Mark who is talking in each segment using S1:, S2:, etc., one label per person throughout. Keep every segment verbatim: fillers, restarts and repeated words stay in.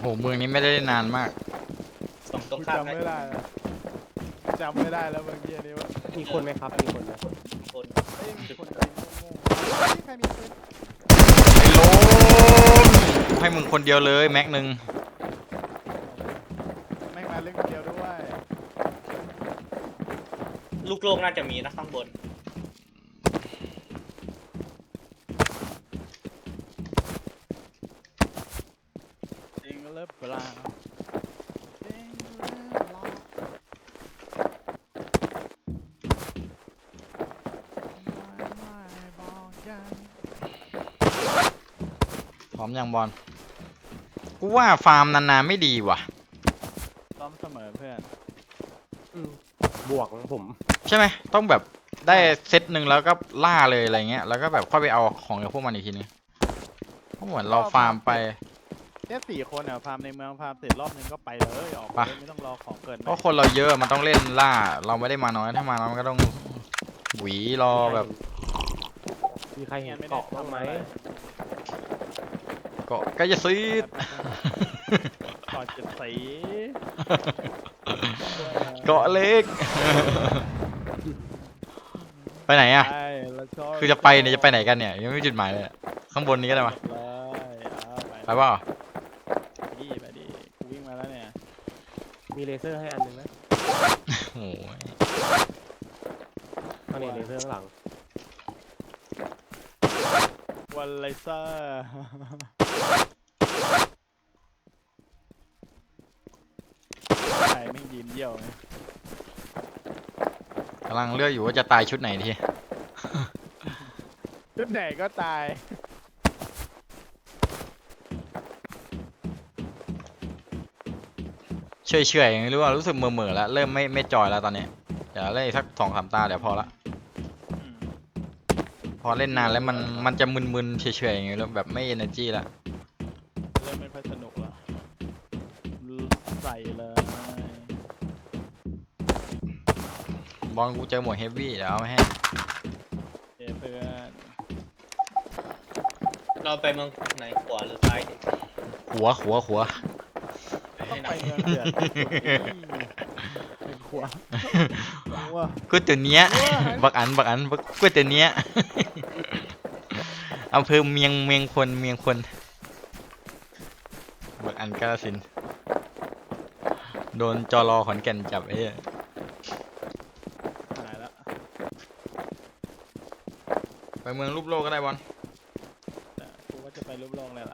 S1: เมืองนี้ไม่ได้เล่นนานมาก
S2: สองตรง
S3: กู
S2: ข้าม
S3: จำไม่ได้แล้วจำไม่ได้แล้วเมื่อกี้นี้ว่า
S4: มีคนไหมครับมีคนไหม
S2: คน
S3: เอ้ยมีคนยิงโง่ๆเฮ้ยใครมีปืน
S1: ไอ้โลมกูให้มึงคนเดียวเลยแม็กหนึ่ง
S3: แม่งมาเล่นคนเดียวด้วย
S2: ลูกโลกน่าจะมีนะข้างบน
S3: จริงเลิฟเปล่าจริงเลิฟเปล่าไม่บอกกัน
S1: พร้อมยังบอลกูว่าฟาร์มนานๆไม่ดีว่ะ
S3: ซ้อมเสมอเพื่อน
S4: อืมบวกผม
S1: ใช่ไหมต้องแบบได้เซตหนึ่งแล้วก็ล่าเลยอะไรเงี้ยแล้วก็แบบค่อยไปเอาของกับพวกมันอีกทีนึงเพราะเหมือนเราฟาร์มไป
S3: เนี่ยสี่คนอ่ะฟาร์มในเมืองฟาร์มเสร็จรอบนึงก็ไปเลยออกไป
S1: ไป
S3: เลยไม่ต้องรอของเกิน
S1: เพราะคนเราเยอะมันต้องเล่นล่า เราไม่ได้มาน้อยถ้ามาน้อยมันก็ต้องหวีรอแบบ
S4: มีใครเห็นเกาะบ้างไหม
S1: เกาะก็จะซีด
S3: ก่อนจะสี
S1: เกาะเล็ก ไปไหนอ่ะ
S3: ใช่แล้วชบ
S1: คือจะไปเนี่ยจะไปไหนกันเนี่ยยังไม่มีจุดหมายเลยอะข้างบนนี้ก็ได้ปะ
S3: เลยเอาไป
S1: ไปเปล่า
S3: ไปดิไปดิกูวิ่งมาแล้วเนี่ย
S4: มีเลเซอร์ให้อันหนึ่งไหม
S1: โอ้ย
S4: ตอนนี้เลเซอร์ข้างหลัง
S3: วันไลเซอร์ใครไม่ยืนเยี่ยวไง
S1: กำลังเลือกอยู่ว่าจะตายชุดไหนที
S3: ชุดไหนก็ตาย
S1: เฉยเฉยๆไม่รู้ว่ารู้สึกเมื่อเมื่อๆแล้วเริ่มไม่ไม่จอยแล้วตอนนี้เดี๋ยวเล่นอีกสักสองสามตาเดี๋ยวพอละ
S3: อืม
S1: พอเล่นนานแล้วมันมันจะมึนๆเฉยๆอย่างเงี้ยแล้วแบบไม่ energy ละ
S3: เริ่มไม่ค่อยสนุกแล้วใส่เลย
S1: บอลกูเจอหมวดเฮฟวี่เดี๋ยวเอามาให้
S3: เอ้ยเพื่อน
S2: เราไปเมืองไหนขวาหรือซ้ายดิ
S1: หัวหัวหัว
S3: ต้องไปเมืองเดือดเป็นขวาว้า
S1: กูตัวเนี้ย บักอันบักอันบักกูตัวเนี้ย อำเภอเมียงเมียงคนเมียงคนบักอันกาฬสินธุ์โดนจอรอขอนแก่นจับไอ้เหี้ย
S3: หายแล้ว
S1: ไปเมืองรูปโลกก็ได้บอล
S3: แต่กูว่าจะไปรูปโลกเลยล่ะ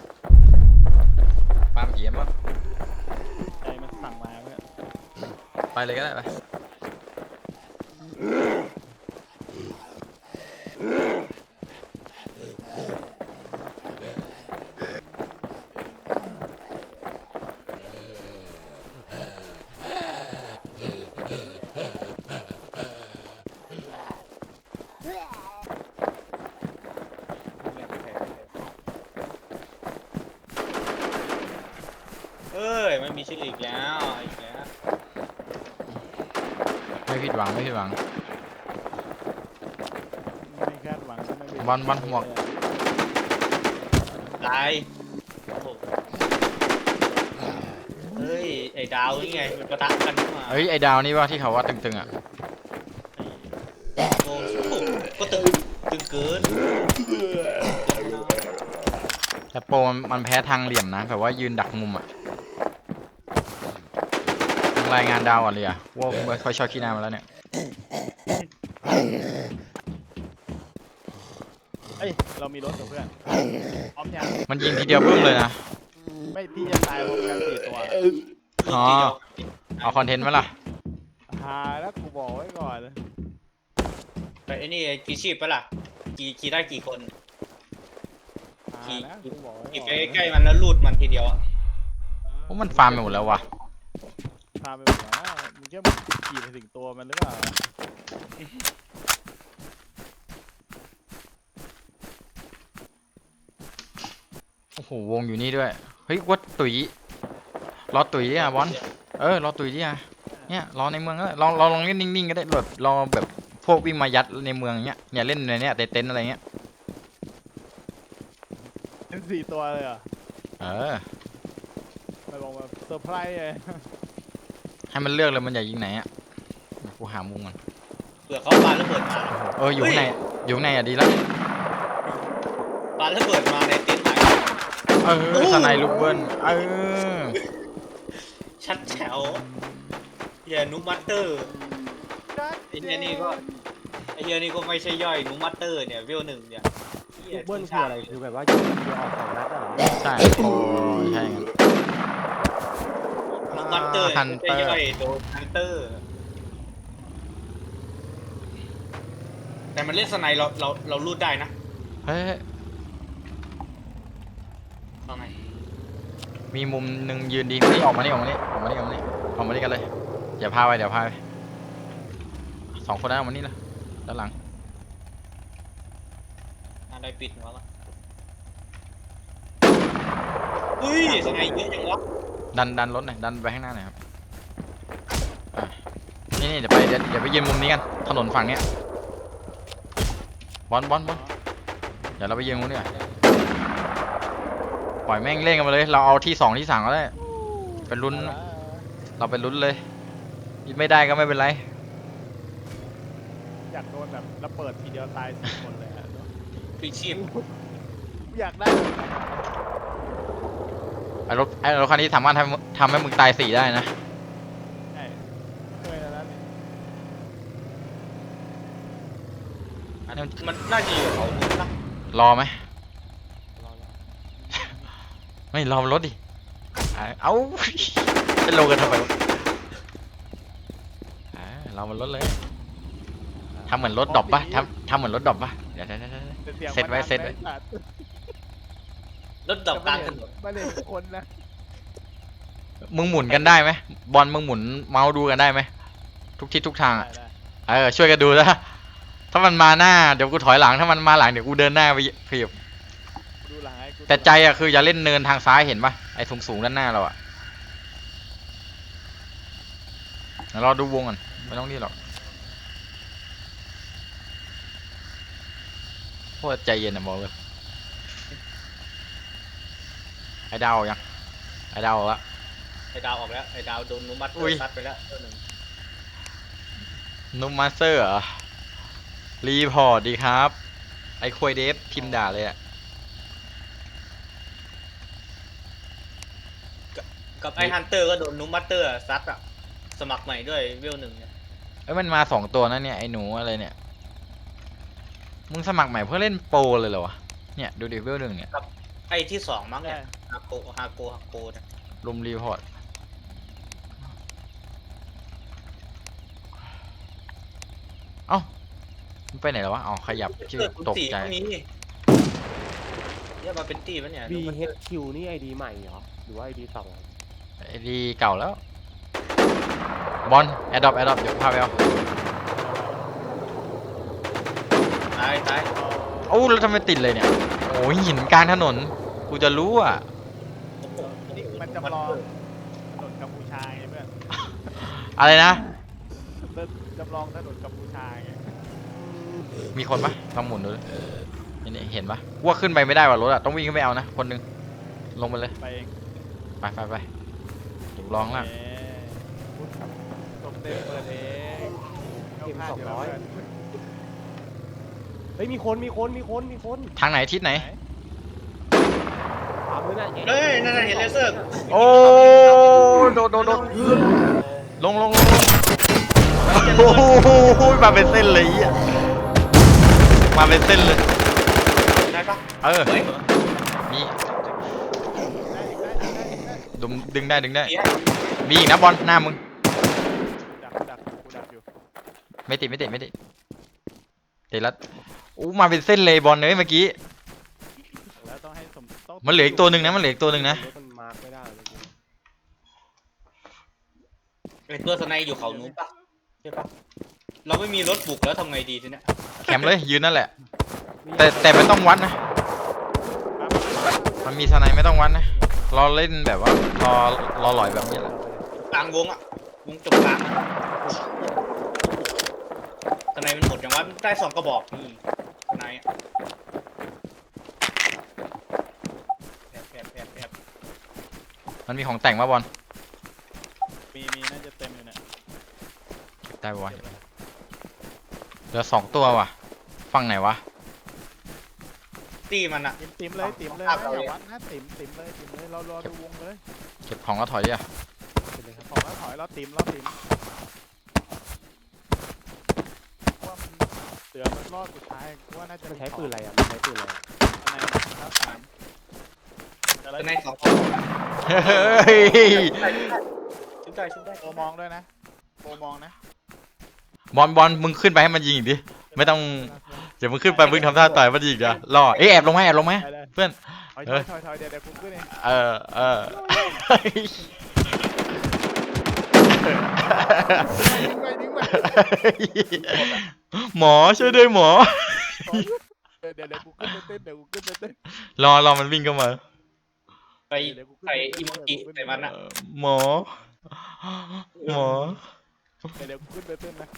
S1: ปาล์มเอี่ยมปะ
S3: ใจมันสั่งมาเพื่อน
S1: ไปเลยก็ได้ไป
S2: เอ้ยไม่มีชื่ออีกแล้วอีกแล้ว
S1: ไม่ผิดหวังไม่ผิดหวัง
S3: ไม่คาดหวังก็ไม่เป็น
S1: บอลบอลหมวก
S2: ตายโอ้โหเฮ้ยไอ้ดาวนี่ไงมันประทะกันขึ้นมา
S1: เฮ้ยไอ้ดาวนี่ว่าที่เขาว่าตึงๆอ่ะ
S2: โอ้โหก็ตึงตึงเกิน
S1: แต่โปรมันมันแพ้ทางเหลี่ยมนะแบบว่ายืนดักมุมอ่ะรายงานดาวก่อนเลยอ่ะว่าไม่ค่อยชอบขี้หน้ามาแล้วเนี่ย
S3: เอ้ยเรามีรถกับเพื่อนพร้อมยัง
S1: มันยิงทีเดียวบึ้มเลยนะ
S3: ไม่พี่จะตายพร้อมกันสี่ตัว
S1: อ๋อ เอาคอนเทนต์ไหมล่ะ
S3: หาแล้วกูบอกไว้ก่อน
S2: ไปไอ้นี่กี่ชีพปะล่ะกี่กี่ได้กี่คน
S3: หาแล้วกูบอกไว้
S2: กี่
S3: ก่
S2: ไป
S3: อน
S2: ใกล้ๆมันแล้วลูดมันทีเดียวอะ
S1: เพราะมันฟาร์มไปหมดแล้ววะ
S3: พาไปหมดแล้วมึงแค่ขี่ไปถึงตัวมันหรือเปล่า
S1: โอ้โหวงอยู่นี่ด้วย เฮ้ยวัดตุ๋ยรอตุ๋ยดิอ่ะบอลเออรอตุ๋ยดิอ่ะเนี่ยรอในเมืองก็ได้ลองลองลองเล่นนิ่งๆก็ได้แบบรอแบบพวกวิ่งมายัดในเมืองเนี้ยเนี่ยเล่นในเนี้ยเต็นท์อะไรเงี้ย
S3: เป็นสี่ตัวเลยเหรอ
S1: เออ
S3: อร์ไพรส์เลย
S1: ให้มันเลือกเลยมันอยากยิงไหนอ่ะกูหามุมก่อน
S2: เผื่อเขาปาระเบิดมา
S1: เอออยู่ข้างในอยู่ข้างในอ่ะดีแล้ว
S2: ปาระเบิดมาในเต็นท์หลัง
S1: เออสไนลูกเบิ้ลเออ
S2: ชัดแจ๋วอย่านุมัตเตอร์ไอ้เฮียนี่ก็ไอ้เฮียนี่ก็ไม่ใช่ย่อยนุมัตเตอร์เนี่ยเวลหนึ่งเนี่ยหี้
S4: ลู
S2: ย
S4: กเบิ้ลคืออะไรคือแบบว่ายิงเดียวออกสองนัดอ่ะเหรอ
S1: ใช่โอ้ใช่งั้น
S2: นุมัตเตอร์
S1: ฮัน
S2: ไม่
S1: เตอร์
S2: ใช่ย่อยโดนฮันเตอร์แต่มันเล่นสไนเราเราเรารูดได้นะ
S1: เฮ้ย
S2: เอาไง
S1: มีมุมหนึ่งยืนดีนี่ออกมานี่ออกมานี่ออกมานี่ออกมานี่ออกมานี่กันเลยอย่าพาไปเดี๋ยวพาไปสองคนนั้นออกมานี่ละด้านหลัง
S2: อะไรปิดหัวละเฮ้ยสไนเยอะจังวะ
S1: ดันดันรถหน่อยดันไปข้างหน้าหน่อยครับอ่ะนี่นี่เดี๋ยวไปเดี๋ยวเดี๋ยวไปยืนมุมนี้กันถนนฝั่งเนี้ยบอลบอลบอลเดี๋ยวเราไปยืนมุมนี้ก่อนปล่อยแม่งเล่นกันมาเลยเราเอาที่สองที่สามก็ได้เป็นลุ้นเราเป็นลุ้นเลยไม่ได้ก็ไม่เป็นไร
S3: อยากโดนแบบระเบิดทีเดียวตายสี่คนเลยอะ
S2: พลีชีพ
S3: อยากได้
S1: ไอ้รถไอ้รถคันนี้สามารถทำทำให้มึงตายสี่ได้นะ
S3: ใช่เคยแล้วนะนี่
S1: อันนี้มัน
S2: มันน่าจะอยู่เขานู้นนะ
S1: รอไหม
S4: รอรอ
S1: ไม่รอมันรถดิอ่ะเอา จะลงกันทำไมวะอ่ะรอมันรถเลยทำเหมือนรถดรอปปะทำทำเหมือนรถดรอปปะเดี๋ยวเดี๋ยวเดี๋ยวเดี๋ยว
S3: สียง
S1: เซ็ตไว้
S3: มันดัง
S1: เซ็ตไว้
S3: นะสัตว์
S2: รถดับกลางถนน
S3: ไม่เห็นคนนะ
S1: มึงหมุนกันได้ไหมบอลมึงหมุนเมาส์ดูกันได้ไหมทุกทิศทุกทาง
S3: ได้
S1: อ่ะ
S3: ได้
S1: เออช่วยกันดูนะถ้ามันมาหน้าเดี๋ยวกูถอยหลังถ้ามันมาหลังเดี๋ยวกูเดินหน้าไปขยับ
S3: ดูหลังให้กู
S1: แต่ใจอ่ะคืออย่าเล่นเนินทางซ้ายเห็นปะไอ้สูงสูงๆด้านหน้าเราอ่ะเดี๋ยวรอดูวงก่อนไม่ต้องรีบหรอกโคตรใจเย็นนะบอกเลยไอ้ดาวยังไอ้ดาวละ
S2: ไอ้ดาวออกแล้วไอ้ดาวโดนนุมัตเตอ
S1: อุ้ย
S2: ร์ซัดไปแล้วตัวหนึ่ง
S1: นุมมาสเตอร์เหรอรีพอร์ตดีครับ ไอ้ควยเดฟพิมพ์ด่าเลยอ่ะ
S2: กับไอ้ฮันเตอร์ก็โดนนุมัตเตอร์ซัดอะสมัครใหม่ด้วยเวลหนึ่งเนี่ย
S1: เอ้ยมันมาสองตัวนะเนี่ยไอ้หนูอะไรเนี่ยมึงสมัครใหม่เพื่อเล่นโปรเลยเหรอวะเนี่ยดูดิเวลหนึ่งเนี่ย
S2: ไอ้ที่สองมั้ง
S3: ได้
S2: เนี่ยฮาโกฮาโกฮาโกเนี่ย
S1: รุมรีพอร์ตเอ้ามันไปไหนแล้ววะอ๋อขยับชื่อ
S2: เกิดคุณ
S1: ตก
S2: สี่
S1: ใจ
S2: ก็มีเนี่ยมาเป็นตีปะเนี่ย
S4: บี
S2: นุมัต
S4: เฮ
S2: เตอ
S4: ด
S2: ร์
S4: คิวนี่ไอดีใหม่เหรอหรือว่าไอดีเก่า
S1: ไอ้ดีเก่าแล้วบอลแอดดอปแอดดอปเดี๋ยวพาไปเอา
S2: ตายตาย
S1: โอ้แล้วทำไมติดเลยเนี่ยโอ้ยหินกลางถนนกูจะรู้อ่ะ
S2: โอ้โห
S3: นี่มันจำลองถนนกัมพูชาไงเพื่อน
S1: อะไรนะ
S3: จำลองถนนกัมพูชาไง
S1: มีคนปะลองหมุนดูดินี่นี่เห็นปะว่าขึ้นไปไม่ได้ว่ะรถอะต้องวิ่งขึ้นไปเอานะคนหนึงลงไปเลย
S3: ไปเอง
S1: ไปไปไปถูกลองล่าง
S3: เอ๊ะตกเต็มเปิดเองาพลาดยู่แล้วเพื่น
S4: เฮ้ยมีคนมีคนมีคนมีคน
S1: ทางไหนทิศไหน
S4: ขวามือน่ะ
S2: เฮ้ยนั่นน่ะเห็นเลเซอร์
S1: โอ้โดดโดดโดดลงลงลงลงโอ้โหมาเป็นเส้นเลยอ่ะมาเป็นเส้นเลย
S2: ได้ปะ
S1: เออ
S2: เฮ้ย
S1: มี
S3: ได้อีกได้อีกได้อีกได้อีก
S1: ดึงดึงได้ดึงได้
S2: เสีย
S1: มีอีกนะบอลหน้ามึง
S3: ดักดักกูดักอยู่
S1: ไม่ติดไม่ติดไม่ติดติดแล้วอู้มาเป็นเส้นเลยบอลเลยเมื่อกี้
S3: แล้วต้องให้สมต้อง
S1: มันเหลืออีกตัวหนึ่งนะมันเหลืออีกตัวหนึ่งนะ
S4: รถมันมาร์คไม่ได้เลย
S2: ไอ้ตัวสไนอยู่เขานู้นปะใช่ปะเราไม่มีรถบุกแล้วทำไงดีทีเนี้ย
S1: แคมป์เลยยืนนั่นแหละ แต่แต่ไม่ต้องวัดนะ
S3: ปั๊บ
S1: มันมีสไนไม่ต้องวัดนะรอเล่นแบบว่ารอรอหลอยแบบนี้แหละ
S2: กลางวงอะวงจบกลางอะสไนมันหมดอย่างว่าได้สองกระบอกนี่สไนอะแอบแอบแอบแอบ
S1: มันมีของแต่งมาบอลได้ปะวะเหลือสองตัวว่ะฝั่งไหนวะ
S2: ตีมันอะ
S3: ติมติมเลยติมเลย
S2: ภาพ
S3: นะ
S2: เรา
S3: อย่า
S2: เลย
S3: วัดนะติมติมเลยติมเลยเรารอดูวงเลย
S1: เก็บของแล้วถอยดิอ่ะ
S4: เป็นเลยครับ
S3: ของแล้วถอยเราติมเราติมว่ามันเสือมันรอดสุดท้ายกูว่าน่าจะ
S4: มันใช้ปืนอะไรอ่ะมันใช้ปืนอะไรอะ
S3: อะไรนะครับสาม
S2: เป็นในสอง
S1: เฮ้ย
S2: ชุบได้ชุบได้
S3: โปรมองด้วยนะโปรมองนะ
S1: บอลบอลมึงขึ้นไปให้มันยิงอีกดิไม่ต้องเดี๋ยวมึงขึ้นไปมึงทำท่าต่อยมันยิงอ่ะรอเอ้ยแอบลงไหมแอบลงไหม
S3: ไปเลย
S1: เพื่อน
S3: ถอย
S1: เอ
S3: ถอ
S1: อ
S3: ยถอยถอยเดี๋ยวเดี๋ยวกูขึ้นเอง
S1: เออเออ
S3: ดึงไปดึงไป
S1: หมอช่วยด้วยหมอ
S3: เดี๋ยวเดี๋ยวเดี๋ยวกูขึ้นไปเต้นเดี๋ยวกูขึ้นไปเต้น
S1: รอรอมันวิ่งเข้ามา
S2: ไปใส่อิโมจิใส่มันอะ
S1: เออหมอ หมอ
S3: เดี๋ยวเดี๋ยวกูขึ้นไปเต้นนะ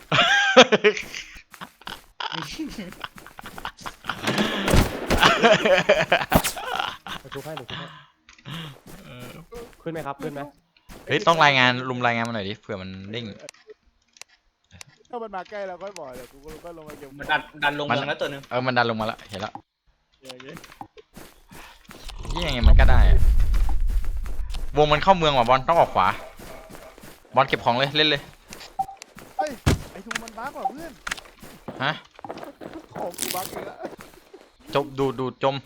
S4: เดี๋ยวทุบให้เดี๋ยวทุบให้ขึ้นไหมครับขึ้นไหม
S1: เฮ้ยต้องรายงานลุมรายงานมาหน่อยดิเผื่อมันเด้ง
S3: ถ้ามันมาใกล้เราค่อยบอกเดี๋ยวกูก็ลงมาเก็บ
S2: มันดันดันลงเมืองแล้วตัวหนึง
S1: เออมันดันลงมาแล้วเห็นแล้ว
S3: อย่างเงี้ย
S1: ยี่ยังไงมันก็ได้อะวงมันเข้าเมืองว่ะบอลต้องออกขวา บอลเก็บของเลยเล่นเลย
S3: เฮ้ยไอ้ทูมันบั๊กว่ะเพื่อน
S1: ฮะ
S3: ของกูบั๊กอีกแล้ว
S1: จมดูดูจม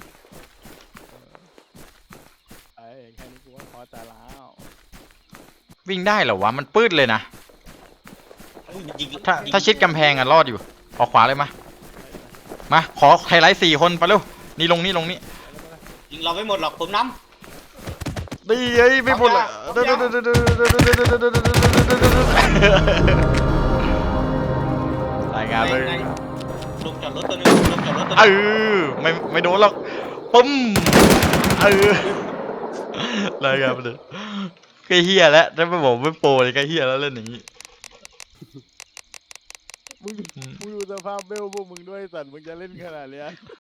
S3: ไอ้แค่นี้กูว่าพอใจแล้ว
S1: วิ่งได้เหรอวะมันปื้ดเลยนะ
S2: ยิง
S1: ถ้าถ้าชิดกำแพงอะรอดอยู่ออกขวาเลยมามาขอไฮไลท์สี่คนไปเร็วนี่ลงนี่ลงนี่
S2: ยิงเราไม่หมดหรอกผมน้
S1: ดีเอ้ยไม่พูดละรายงานเลย
S2: ในลงจอดรถตัวหนึงลงจอดรถตัวห
S1: เอ
S2: นึง
S1: อไม่ไม่โดนหรอกปึ้มเออรายงานไปเลยก็เฮียแล้วถ้าไม่บอกไม่โปรเลยก็เฮียแล้วเล่นอย่างนี้
S3: มึงมึงดูสภาพเบลพวกมึงด้วยสัตว์มึงจะเล่นขนาดเนี้ย